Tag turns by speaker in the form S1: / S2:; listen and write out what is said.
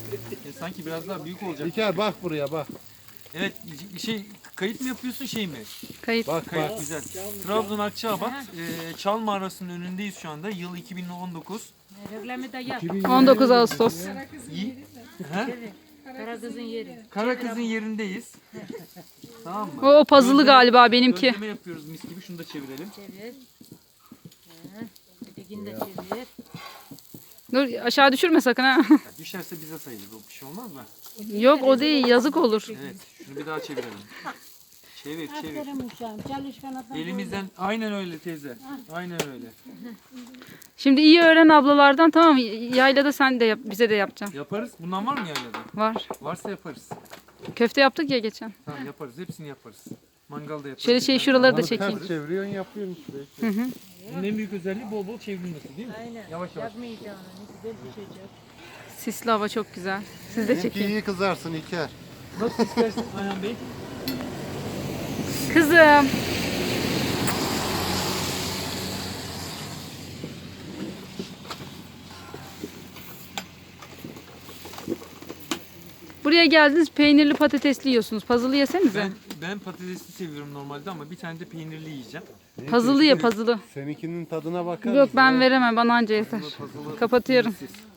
S1: Sanki biraz daha büyük olacak.
S2: İlker bak buraya bak.
S1: Evet, kayıt mı yapıyorsun şey mi?
S3: Kayıt.
S2: Bak
S1: Kayıt
S2: bak.
S1: güzel. Trabzon Akçaabat, Çal Mağarası'nın önündeyiz şu anda. Yıl 2019.
S4: Reklamı da yap.
S3: 19 Ağustos.
S4: Karakızın yeri.
S1: Karakız'ın yerindeyiz. Tamam mı?
S3: O puzzle'lı galiba benimki.
S1: Gözleme yapıyoruz mis gibi. Şunu da çevirelim.
S4: Çevir. Ötekini de çevir.
S3: Dur aşağı düşürme sakın ha.
S1: Ya düşerse bize sayılır. O bir şey olmaz mı?
S3: Yok o değil yazık olur.
S1: Evet. Şunu bir daha çevirelim. Çevir.
S4: Aferin uşağım. Çalışkan adam.
S1: Elimizden aynen öyle teyze. Aynen öyle.
S3: Şimdi iyi öğren ablalardan, tamam mı? Yaylada sen de yap, bize de yapacaksın.
S1: Yaparız. Bundan var mı yaylada?
S3: Var.
S1: Varsa yaparız.
S3: Köfte yaptık ya geçen.
S1: Tamam yaparız. Hepsini yaparız. Mangalda yaparız.
S3: Şöyle şuraları da
S2: Onu
S3: çekeyim.
S2: ters çeviriyorsun yapıyorsun işte.
S1: Bunun en büyük özelliği bol bol çevrilmesi değil mi?
S4: Aynen.
S1: Yavaş yavaş.
S4: Yakmayacağını. Ne güzel pişecek.
S3: Sisli hava çok güzel. Siz de
S2: Benimki
S3: çekin.
S2: iyi kızarsın İlker.
S1: Nasıl istersin Ayhan Bey?
S3: Kızım. Buraya geldiniz, peynirli patatesli yiyorsunuz. Puzzle'lı yesenize.
S1: Ben patatesli seviyorum normalde ama bir tane de peynirli yiyeceğim.
S3: Puzzle'lı ye, puzzle'lı.
S2: Seninkinin tadına bakar
S3: Yok
S2: mısın
S3: ben
S2: ya?
S3: veremem, bana anca yeter.
S1: Puzzle'ı
S3: Kapatıyorum.
S1: peynirsiz.